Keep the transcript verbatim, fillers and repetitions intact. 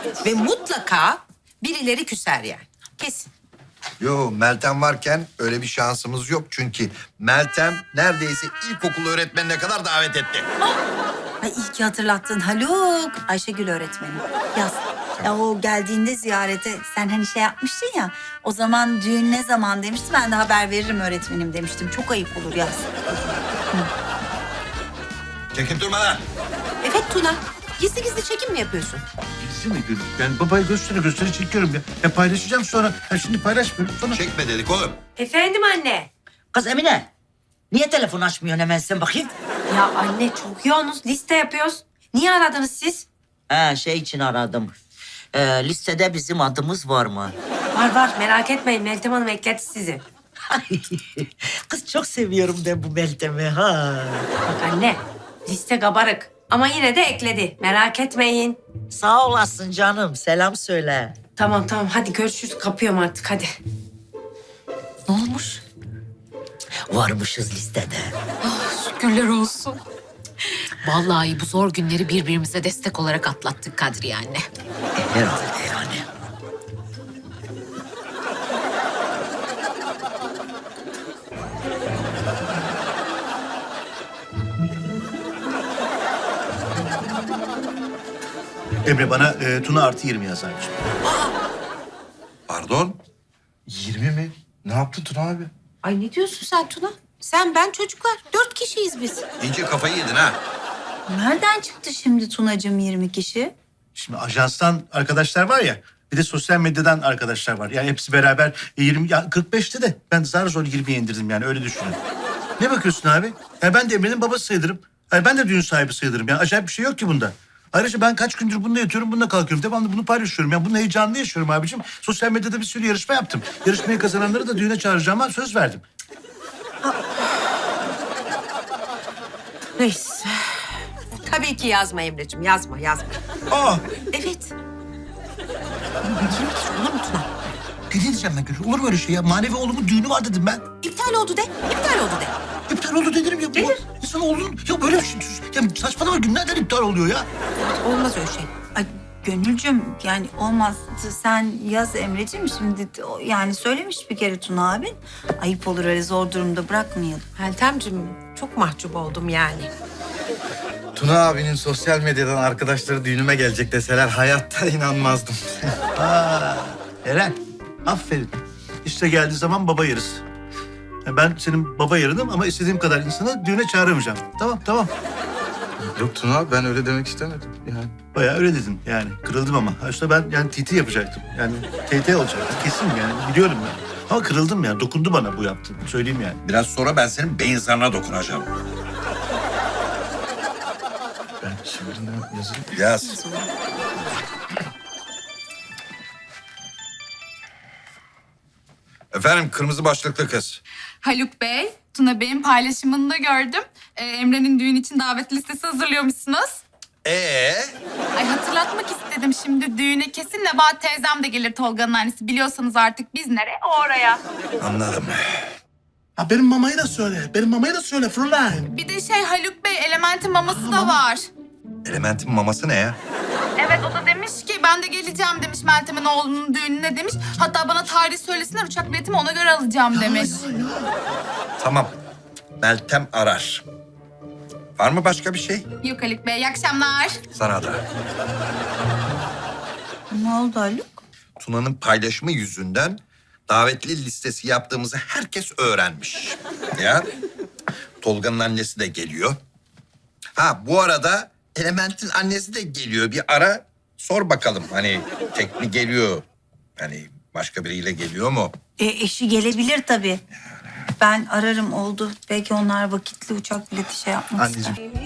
Ve mutlaka birileri küser yani. Kesin. Yo, Meltem varken öyle bir şansımız yok. Çünkü Meltem neredeyse ilkokul öğretmenine kadar davet etti. Ay iyi ki hatırlattın Haluk. Ayşegül öğretmenim. Yaz. Ya o geldiğinde ziyarete sen hani şey yapmıştın ya. O zaman düğün ne zaman demişti. Ben de haber veririm öğretmenim demiştim. Çok ayıp olur Yaz. Çekip durma lan. Evet Tuna. Gizli gizli çekim mi yapıyorsun? Gitsin mi gülüm? Yani babaya gösteri gösteri çekiyorum ya. Ya paylaşacağım sonra. Ya şimdi paylaşmıyorum sonra. Çekme dedik oğlum. Efendim anne. Kız Emine, niye telefon açmıyorsun hemen sen bakayım? Ya anne çok yoğunuz. Liste yapıyoruz. Niye aradınız siz? Ha şey için aradım. Ee, listede bizim adımız var mı? Var var merak etmeyin. Meltem Hanım ekledi sizi. Kız çok seviyorum ben bu Meltem'i ha. Bak anne liste kabarık. Ama yine de ekledi. Merak etmeyin. Sağ olasın canım, selam söyle. Tamam tamam hadi görüşürüz. Kapıyorum artık hadi. Ne olmuş? Varmışız listede. Şükürler olsun. Vallahi bu zor günleri birbirimize destek olarak atlattık Kadriye anne. E, herhalde yani. Emre bana e, Tuna artı yirmi yaz abiciğim. Pardon? yirmi mi? Ne yaptın Tuna abi? Ay ne diyorsun sen Tuna? Sen ben çocuklar. Dört kişiyiz biz. İyice kafayı yedin ha. Nereden çıktı şimdi Tunacığım yirmi kişi? Şimdi ajanstan arkadaşlar var ya. Bir de sosyal medyadan arkadaşlar var. Yani hepsi beraber e, yirmi, ya kırk beşte de ben zar zor yirmiye indirdim yani öyle düşünün. Ne bakıyorsun abi? Yani ben de Emre'nin babası sayılırım. Yani ben de düğün sahibi sayılırım. Yani acayip bir şey yok ki bunda. Ayrıca ben kaç gündür bununla yatıyorum, bununla kalkıyorum. Devamlı bunu paylaşıyorum. Yani bunun heyecanını yaşıyorum abicim. Sosyal medyada bir sürü yarışma yaptım. Yarışmayı kazananları da düğüne çağıracağıma söz verdim. Neyse. Tabii ki yazma Emre'ciğim. Yazma yazma. Aa! Evet. yirmi kişi olur mu Tuna? Ne diyeceğim ben Gülü? Olur mu öyle şey ya? Manevi oğlumun düğünü var dedim ben. İptal oldu de. İptal oldu de. İptal oldu dedim ya. Bu insan oğlunun... Ya böyle bir şey... Ya saçmalama günlerden iptal oluyor ya. Olmaz öyle şey. Ay Gönülcüm yani olmaz. Sen yaz Emre'ciğim şimdi o- yani söylemiş bir kere Tuna abin. Ayıp olur öyle zor durumda bırakmayalım. Meltemciğim çok mahcup oldum yani. Tuna abinin sosyal medyadan arkadaşları düğünüme gelecek deseler hayatta inanmazdım. Aa, Eren, aferin. İşte geldiği zaman baba yarısı. Ya ben senin baba yarınım ama istediğim kadar insanı düğüne çağıramayacağım. Tamam, tamam. Yok Tuna abi ben öyle demek istemedim yani. Bayağı öyle dedin yani. Kırıldım ama. Aslında ben yani T T yapacaktım. Yani T T olacaktı. Kesin yani. Biliyorum yani. Ama kırıldım yani. Dokundu bana bu yaptığın. Söyleyeyim yani. Biraz sonra ben senin beyin zarına dokunacağım. Ben şimdi ne yazayım? Yaz. Efendim kırmızı başlıklı kız. Haluk Bey, Tuna Bey'in paylaşımını da gördüm. Ee, Emre'nin düğün için davet listesi hazırlıyormuşsunuz. Ee, Ay hatırlatmak istedim şimdi düğüne kesin Nebahat teyzem de gelir Tolga'nın annesi. Biliyorsanız artık biz nereye o oraya. anladım. Ha benim mamayı da söyle. Benim mamayı da söyle Fräulein. Bir de şey Haluk Bey Element'in maması da var. Elementin maması ne ya? Evet o da demiş ki ben de geleceğim demiş Meltem'in oğlunun düğününe demiş. Hatta bana tarih söylesinler uçak biletimi ona göre alacağım demiş. Tamam. Meltem arar. Var mı başka bir şey? Yok Haluk Bey iyi akşamlar. Sana da. Ne oldu Haluk? Tuna'nın paylaşımı yüzünden davetli listesi yaptığımızı herkes öğrenmiş. Ya. Tolga'nın annesi de geliyor. Ha bu arada Element'in annesi de geliyor. Bir ara sor bakalım hani tek mi geliyor? Hani başka biriyle geliyor mu? E, eşi gelebilir tabii. Ben ararım oldu. Belki onlar vakitli uçak bileti şey yapmak ister. Anneciğim.